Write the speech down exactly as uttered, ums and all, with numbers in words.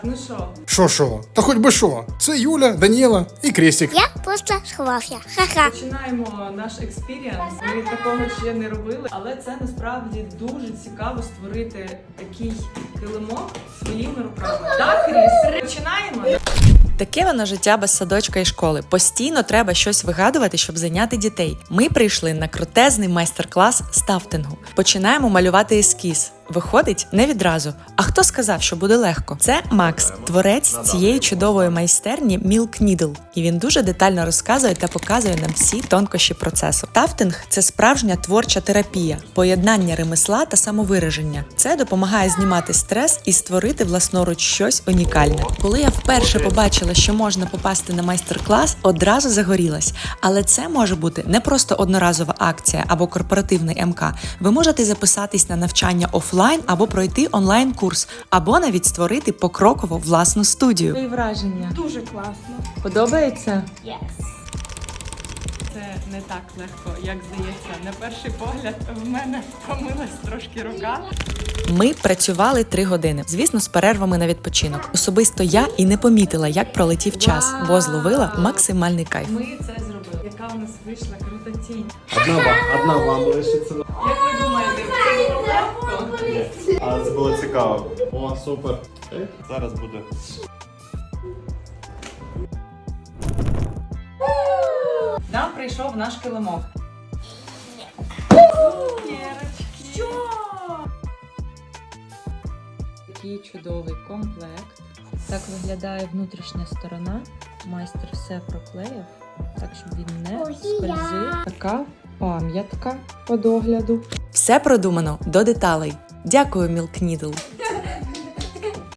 Ну що? Що що? Та хоч би що. Це Юля, Даніела і Крістік. Я просто сховався. Ха-ха. Починаємо наш експірієнс. Ми такого ще не робили, але це насправді дуже цікаво створити такий килимок своїми руками. Так, Кріс? Починаємо? Таке воно життя без садочка і школи. Постійно треба щось вигадувати, щоб зайняти дітей. Ми прийшли на крутезний майстер-клас з тафтингу. Починаємо малювати ескіз. Виходить не відразу. А хто сказав, що буде легко? Це Макс, творець цієї чудової майстерні Milk Needle. І він дуже детально розказує та показує нам всі тонкощі процесу. Тафтинг – це справжня творча терапія, поєднання ремесла та самовираження. Це допомагає знімати стрес і створити власноруч щось унікальне. Коли я вперше побачила, що можна попасти на майстер-клас, одразу загорілась. Але це може бути не просто одноразова акція або корпоративний ем ка. Ви можете записатись на навчання офлайн або пройти онлайн-курс, або навіть створити покроково власну студію. Твої враження? Дуже класно. Подобається? Yes. Це не так легко, як здається. На перший погляд в мене помилась трошки рука. Ми працювали три години, звісно, з перервами на відпочинок. Особисто я і не помітила, як пролетів час, бо зловила максимальний кайф. Ми це зробили. Яка у нас вийшла крута тінь. Одна, ва- одна вам лишиться. Як ви думаєте, це було легко? А це було цікаво. О, супер. Зараз буде. Нам прийшов наш килимок. Що? Такий чудовий комплект. Так виглядає внутрішня сторона. Майстер все проклеїв, так щоб він не скользив. Така пам'ятка по догляду. Все продумано до деталей. Дякую, Milk Needle.